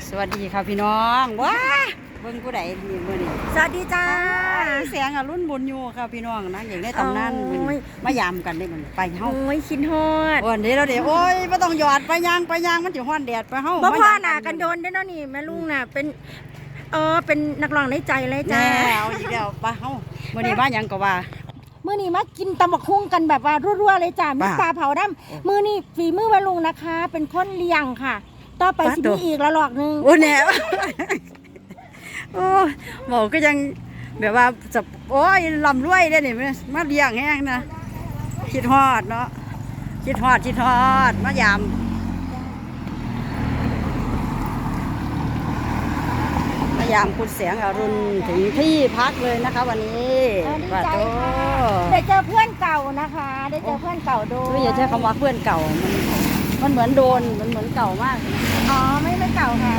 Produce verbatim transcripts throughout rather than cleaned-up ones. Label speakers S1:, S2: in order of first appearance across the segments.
S1: สวัสดีค่ะพี่น้องว้าเบิ่งผู้ใดมีมื้อนี้
S2: สวัสดีจ้า
S1: แสงอรุณบุญอยู่ค่ะพี่น้องนะอย่างได้ตำนาน
S2: โอ้
S1: มื้อนี้
S2: ย
S1: มายามกันได้มื้อนี้ไปเฮา
S2: โอ้ยคิดฮอด
S1: วันนี้เราเดี๋ยวโอ้ยบ่ต้องหยอดไปยางไปยางมันสิฮ้อนแดดไปเฮา
S2: บ่
S1: มา
S2: พ่อหน้ากันโดนได้อเนาะนี่แม่ลุงน่ะเป็นเออเป็นนักร้องในใจเลยจ้า
S1: แน่เอาอีกแล้วไปเฮามื้อนี้มาหยังก็ว่า
S2: มื้อนี้มากินตำบักหุ่งกันแบบว่ารัวๆเลยจ้ามี
S1: บ้า
S2: ปลาเผาดำมื้อนี้ฝีมือแม่ลุงนะคะ เป็นคนเลี้ยงค่ะ ต่อไป
S1: ปลา
S2: สิ
S1: ตัว
S2: มีอีกละหลอกหนึง
S1: โอ้แน่ โอ้หมอก็ยังแบบว่าจะโอ้ยลำรวยได้อนี่มาเลี้ยงแห้งนะคิดฮอดเนาะคิดฮอดคิดฮอดมายามมายามคุณแสงอรุณถึงที่พักเลยนะคะวันนี้
S2: เออดี
S1: ว่า
S2: ใจ
S1: โต
S2: ค่ะได้เจอเพื่อนเก่านะคะ ได้เจอเพื่อนเก่าโด
S1: เฮ้ยอย่าใช้คำว่าเพื่อนเก่ามันมันเหมือนโดนมันเหมือนเก่ามากนะ
S2: อ๋อไม่ไม่เก่าค่ะ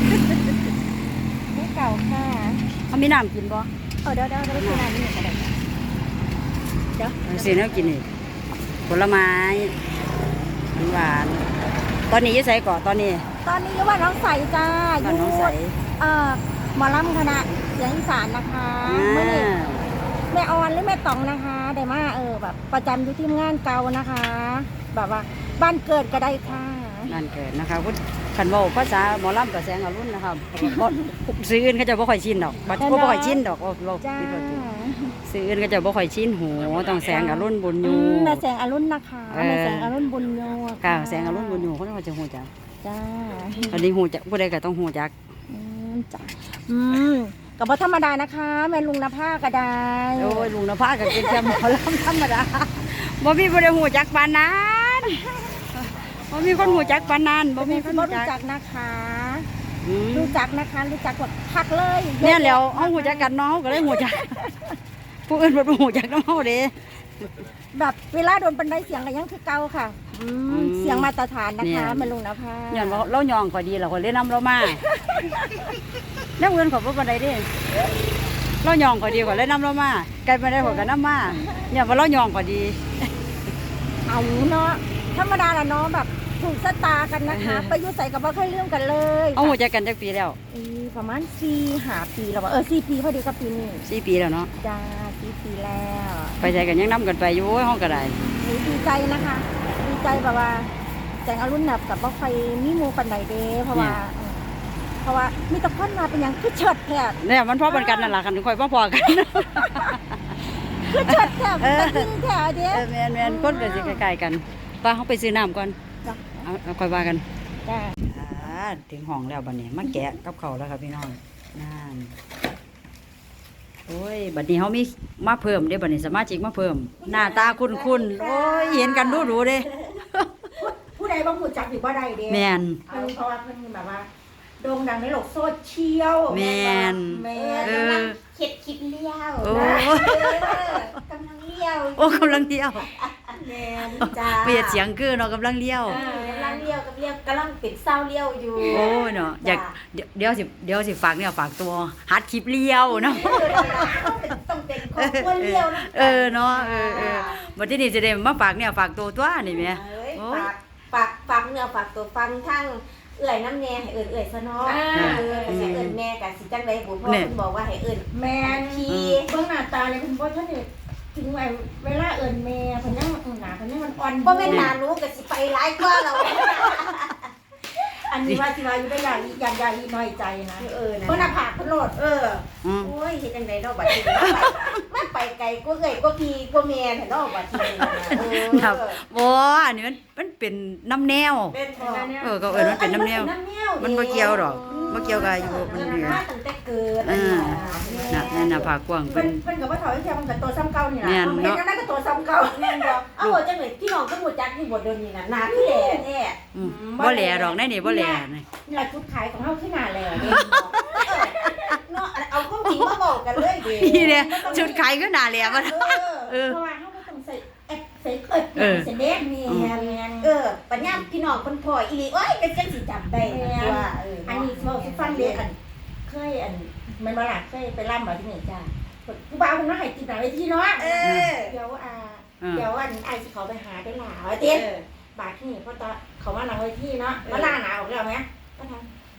S2: ไม่เก่าค่ะ
S1: เขามีน้ำกินบ่
S2: เออเดี๋ยวเดี๋ยวเดี๋ยวไปกินอะไรนี่ก็ได้เดี๋ยว
S1: สิเนื้อกินอีกผลไม้หวานตอนนี้อยี่ใส่ก่อนตอนนี้
S2: ตอนนี้อยู่บ้านน้องใสจ้าอ
S1: บ้าน
S2: ยู่
S1: น้องใส
S2: เอ่อหมอลำคณะเสียงอีสานนะคะ
S1: อ่
S2: เมื่อนี้
S1: า
S2: แม่ออนหรือแม่ตองนะคะได้มาเออแบบประจำอยู่ที่งานเก่านะคะ แบบว่าบ้านเกิดก็ได้ค่ะ
S1: นั่นเกิดนะคะคุณขันเว่าภาษาหมอลำกับแสงอรุณนะครับเพราะซื้ออื่นเขาจะบ่ค่อยชินดอกบัดบ่ค่อยชินดอกเราเรา
S2: จ้า
S1: ซื้ออื่นเขาจะบ่ค่อยชินหูต้องแสงอรุณบุญอ
S2: อื
S1: ยู่
S2: มแม่แสงอรุณนะคะ
S1: เออ
S2: แม่แสงอรุณบุญโย
S1: ค่ะแสงอรุณบุญอยู่เขาเขาจะหูจัก
S2: จ้า
S1: ตอนนี้หูจักผู้ใดก็ต้องหูจัก
S2: อืมจ้าอืมกับว่าธรรมดานะคะ แม่ลุงนภาก็ได้
S1: โอ้ยลุงนภาก็เป็นแค่หมอลำธรรมดาบ่มีผู้ใดหูจักปานนั้นบ่มีคนหูจักปานนั้นบ่
S2: บ่
S1: มี
S2: มี
S1: ค
S2: คน น
S1: หู
S2: รู้
S1: จัก
S2: จักนะคะ
S1: อืม
S2: รู้จักนะคะ รู้จักแบบพักเลย
S1: เนี่ยแล้วเฮาหูจักกันเนาะเฮาก็เลยหูจัก ผู้อื่นบ่หูจักนำเฮาเด้
S2: แบบเวลาโดนบันไดเสียงก็ยังคือเก่าค่ะอืม
S1: อืม
S2: เสียงมาตรฐานนะ
S1: เนี่
S2: คะ
S1: ย
S2: แม่ลุงนภา
S1: ย้อนว่าเรายองก็ดีแล้วก็เลยนำเรามา แนวอื่นก็บ่ปานใดเด้เรายองก็ดีกว่าเลยนำเรามาไกลไปได้กว่าก็นำมาเนี่ยว่าเรายองก็ดี
S2: เอาเนาะธรรมดาละเนาะแบบถูกสตากันนะคะ ไปอยุ่ใส่กับบ่เคยเรื่องกันเลย
S1: เอาหูจักกันจักปีแล้ว
S2: อีประมาณสี่ห้าปีแล้วว่าเออสี่ปีพอดีกับปีนี้
S1: สี่ปีแล้วเนาะ
S2: จ้าสี่ปีแล้ว
S1: ไปใจกันยังนํกันไปอยู่โอ้ยเฮาก็ได้
S2: หนูดีใจนะคะ ดีใจแบบว่าแสงอรุณแบบกับบ่ใครมีหมูปันใดเด้เพราะว่าเออเพราะว่ามีแตะคนมาเป็นหยังคือเฉิดแผบ
S1: เนี่ยมันพอกันกันนั่นล่ะคันค่อยพอๆกัน
S2: คือเฉิดแผบ
S1: เออ
S2: ตะกินแถวเด้
S1: เออแม่นๆคนก็สิใกล้ๆกันไปเฮาไปซื้อน้ำก่อน
S2: จ้ะ
S1: เอาเอาค่อยว่ากัน
S2: จ้า
S1: อ่าถึงห้องแล้วบัดนี้มาแกะกับเขาวแล้วครับพี่น้องนั่นโอ้ยบัดนี้เขามีมาเพิ่มเด้บัดนี้สมาชิกมาเพิ่ม หน้าตาคุ้นๆโอ้ยเห็นกันดูดูๆเด้
S2: ผู้ใดบางผู้จักอยู่บ่ได้เด้
S1: แม่น
S2: เพิ่นเพราะว่าเพิ่นแบบว่าโด่งดังในโลกโซเชียล
S1: แม่น
S2: แม่
S1: เออ
S2: กำลังเข็ดคิดเลี้ยว
S1: โอ้
S2: นะเออกำลังเลี้ยว
S1: โอ้กำลังเลี้ยว
S2: แม่นจ้า
S1: เปลี่ยนเสียงคือเนาะกำลังเลี้ยว
S2: เออกำลังเลี้ยวกับเลี้ยวกำลังปิดเศร้าเลี้ยวอยู่
S1: โอ้ยเนาะอยากเดี๋ยวเดี๋ยวสิเดี๋ยวสิฝากเนี่ยฝากตัวฮัดคลิปเลี้ยวเนาะ
S2: ต้องเป็นของคนเลี้ยวนะ
S1: เออเนาะเออเออบัดที่นี่จะได้มาฝากเนี่ยฝากตัวตัวนี่แหม่
S3: เอ้ย
S1: โอ้ย
S3: ฝากฝากฝากเนื้อฝากตัวฟังทั้งเอื่อยน้ำแน่ให้เอื่อยเอื่อยซะเนาะ
S2: อ่า
S3: เออแต่เอื่อยแม่กับสิจังไดบุญพ่อ
S1: เนี่ย
S3: คุณบอกว่าให้เอื่อย
S2: แม่น
S3: พี่
S2: เบิ่งหน้าตาเลยคุณพ่อท่านนี่ถึงไว้เวลาเอิ้นแม่เพิ่นยังหน้าเพิ่นยังมันอ่อน
S3: บ่แม่นหารู้กับสิไปหลายกว่าเรา
S2: อันนี้ว่าสิว่าอยู่ได้อย่างอย่างอย่างอีน้อยใจนะ
S3: เออนะ
S2: เพิ่นน่ะผากเพิ่นโลด
S3: เออ
S1: อืม
S3: โอ้ยเฮ็ดจังไดเนาะบัดนี้มันไปไกลกว่าเอื่อยกว่าพี่กว่าแม่แท้เนาะบัดนี้นะเออ
S1: ครับบ่อันนี้มันมันเป็นน้ำแนว
S3: เป็นพ่อ
S1: เออก็เอิ้นมันเป็นน้ำแนว
S3: น้ำแนว
S1: มันบ่เกี่ยวดอกบ่เกี่ยวกับอายุมัน
S3: มัน
S1: นี่
S3: มาตั้งแต่เกิด
S1: อ่าน่ะนั่นน่ะผากกว้าง
S2: เพิ่
S1: เพิ่
S2: น
S1: น
S2: เพิ่นก็บ่ถอยแค่มันก็ตัวซ้ำเก่านี่ล่ะ
S1: แม่น
S2: เพิ่น
S1: เนาะ
S2: เห็นจังได๋ก็ตัวซ้ำเก่า
S3: แม่นบ่เอ้าจังได๋พี่น้องก็บ่จักนี่บ่เดี๋ยวนี้น่ะหน้าคือแหล่แท้
S1: อืมบ่แหล่ดอกแน่นี่บ่แหล่นี่
S2: นี่ล่ะจุดขายของเฮาคือหน้าแลเด้
S3: เนาะเอาความจริงมาบอกกันเลยดิ
S1: นี่เนี่ยชุดขายก็น่าแหล่บ่
S3: เออ
S1: เออ
S2: เพราะว่าเฮาบ่ต้องใส่แอปใส่เอิด
S1: เออ
S2: ใส่เด็กนี่แม่น
S3: เออปัญญาพี่น้องคนพ่ออีหลีโอ้ยเป็นจังสิจำได้นะว่าเออ
S2: อั
S3: อั
S2: นนี้เว้าสิฟังเด้อันเคยอันมันบ่ล่ะเคยไปร่ำบ่ที่นี่จ้าผู้บ่าวเพิ่นมาให้ติดหน้าเวทีเนาะ
S3: เออ
S2: เดี๋ยวอ่า
S1: เออ
S2: เดี๋ยวอันไอ้สิเขาไปหาได้หลาว่า
S3: เอ
S2: เต้น
S3: อบ
S2: าทที่นี่เพราะตอนเขามาหลังเวทีเนาะมาล่าหนาออกแล้วไหมก็ทำ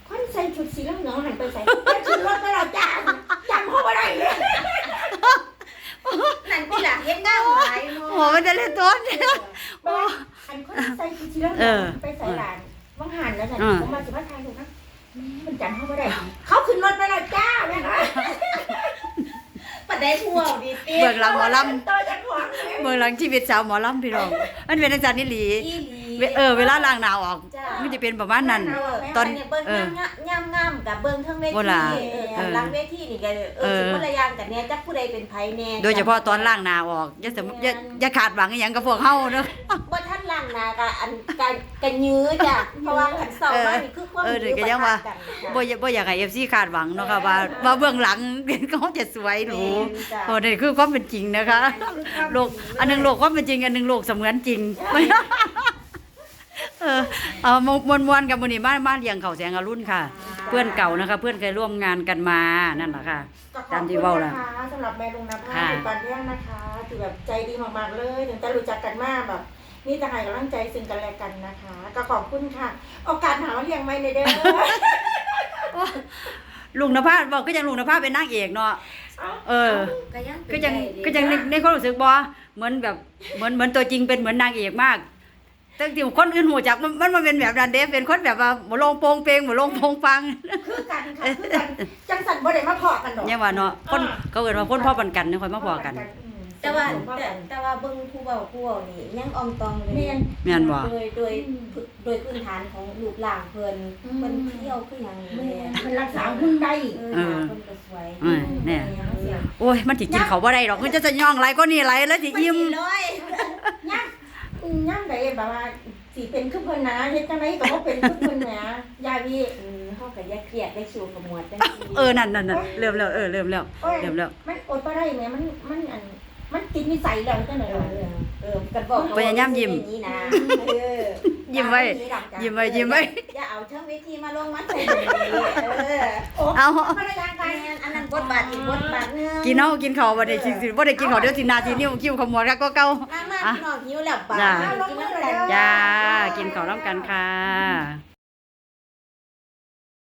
S2: คนใส่ชุดสีเหลืองๆหันไปใส่เปลี่ยนชุดรถไปแล้วจ้าจำเขาบ่ได้เลย
S3: นั่นที่หลังเฮ็ดงานหลายเนาะ
S1: โอ้มันจะเล่นต้นเนี่ย
S2: บ่อันคนใส่ชุดสีเหลือง
S1: เออ
S2: ๆไปใส่หลานว่างหันแล้วน่ะ
S1: เออ
S2: ผมมาสิมาทายถูกนะมันจำเขาบ่ได้เขาขึ้นรถไปแล้วจ้าแม่นะ
S3: ปานใดผู้เว้าดีติ
S1: เบิ่งหลังหมอล
S2: ต่อจากของเลย
S1: ำเบิ่งหลังชีวิตสาวหมอลำพี่น้องมันเป็นอาจารย์นิลี
S3: อีหลี
S1: เวเออเวลาล้างหน้าออก
S3: จ้า
S1: มันจะเป็นประมาณนั้น ต
S3: ต
S1: อ
S3: อน นนี้เบิ่ง
S1: เออ
S3: งามงามๆกับเบิ่งเทั้งเว
S1: บ่
S3: ที
S1: ล่ะ
S3: เออ
S1: เออ
S3: หลังเวทีนี่ก็เอ
S1: เอ
S3: อ
S1: อ
S3: สิคนละอย่างกันแน่จักผู้ใดเป็นไผแน่
S1: โดยเฉพาะตอนล้างหน้าออกอย่าสมอย่าอย่าขาดหวังอหย่างกับพวกเฮาเนาะ
S3: บ่ทันล้างหน้าก็อันกันกันยื้อจ้ะเพราะว่าคันเซามานี่คือความ
S1: เออเดี๋ยวก็
S3: ยื้อ
S1: ยังว่า
S3: ปะทะกันค่ะ
S1: บ่อยบ่อยากให้ เอฟ ซี คาดหวังเนาะค่ะว่าว่าเบื้องหลัง เขาจะสวยหรูโอ้นี่คือความเป็นจริงนะคะโลกอันหนึงโลกความเป็นจริงอันหนึงโลกเสมือนจริง เออเอามวนมวนๆกับมื้อนี้มามาเลี้ยงข้าวแสงอรุณค่ะ เพื่อนเก่านะคะ เพื่อนเคยร่วมงานกันมานั่นแหละค่ะ
S2: ก็ข
S1: ตา
S2: อบ
S1: มที่
S2: คุณ
S1: เว้า
S2: นะ
S1: ล่ะ
S2: คะสำหรับแม่ลุงนภา
S1: ค่ะ
S2: เป็นปานเรื่องนะคะที่แบบใจดีมากๆเลยถึงจะรู้จักกันมากแบบนี่จะให้กำลังใจซึ่งกันและกันนะคะ ก็ขอบคุณค่ะ โอกาสหาว่าเลี้ยงไม่ในเด้อ
S1: ลุงนภาบอกก็ยังลุงนภาเป็นนางเอกเนาะเออ
S3: ก็ยัง
S1: ก็ยังก็ยังในในความรู้สึกบ่เหมือนแบบเหมือนเหมือนตัวจริงเป็นเหมือนนางเอกมากแต่ที่คนอื่นหูจักมันมันมันเป็นแบบนั้นเด้เป็นคนแบบว่าบ่ลงโปงเปงบ่ลงโปงปัง
S2: คือกันค่ะคือกันจังสันบ่ได้มาพอกันดอก
S1: ยังว่าเนาะคนเขาเอิ้นว่าคนพ่อปันกันเนี่ยค่อยมาพอกัน
S3: แต่ว่า
S2: พ่อ
S3: แต่
S2: กัน
S3: แต่ว่าเบิ่งผู้เว้าผู้เว้านี่ยังอองตองอยู่
S2: เมียน
S1: แม่นบ่
S3: โดยโดยโดยพื้นฐานของรูปร่างเพิ่น
S2: อืม
S3: เพิ่นเที่ยวคือหยัง
S2: เมี
S3: แม่
S2: ยนเป็นรักษาหุ่นได้
S3: เออหน้าเพิ่นก็สวย
S1: เออแน่
S3: เสียง
S1: โอ้ยมันสิกินเขาวบ่ได้ดอกมันจะจะย่องไหลก็นี่ไหลแล้วสิอิ่ม
S3: เลย
S2: ย่างย่างใดแบบว่าสิเป็นคือเพิ่นนะเฮ็ดจังไดก็บ่เป็นคือเพิ่นแหมยายพี่
S3: เออเฮาก็อย่าเครียดได้ชิวกับหมวดจังซี่
S1: เออนั่นนั่นนั่นเริ่มแล้วเออเริ่มแล้ว
S2: โอ้ย
S1: เริ่มแล้ว
S2: มันอดบ่ได้แหมมันมันอันมันติดนิสัยแล้วจังได๋
S3: เอ
S2: ล่ะ
S3: อเออกันบอก
S1: พยายามยิ้ม
S3: อย่างนี้นะเออ
S1: ยิ้มไว้ยิ้มไว้ยิ้มไว้
S3: อย่าเอาเชิงวิธีมาลงมาใส่แบบนี้เออ
S2: โอ้
S1: เอา
S2: ภรรยา
S3: ไป
S2: กัน
S3: อันนั้นบทบาทอีกบทบาทหนึง
S1: กินเฮากินข้าวบ่ได้สิสิบ่ได้กินข้าวเดี๋ยวสิหน้าสินิ้วคิ้วขมวดก็เก่า
S3: มามาพี่น้องหิวแล้วป่ะ
S1: จ้า
S3: กินน้ำกัน
S1: จ้ากินข้าวนํกันค่ะ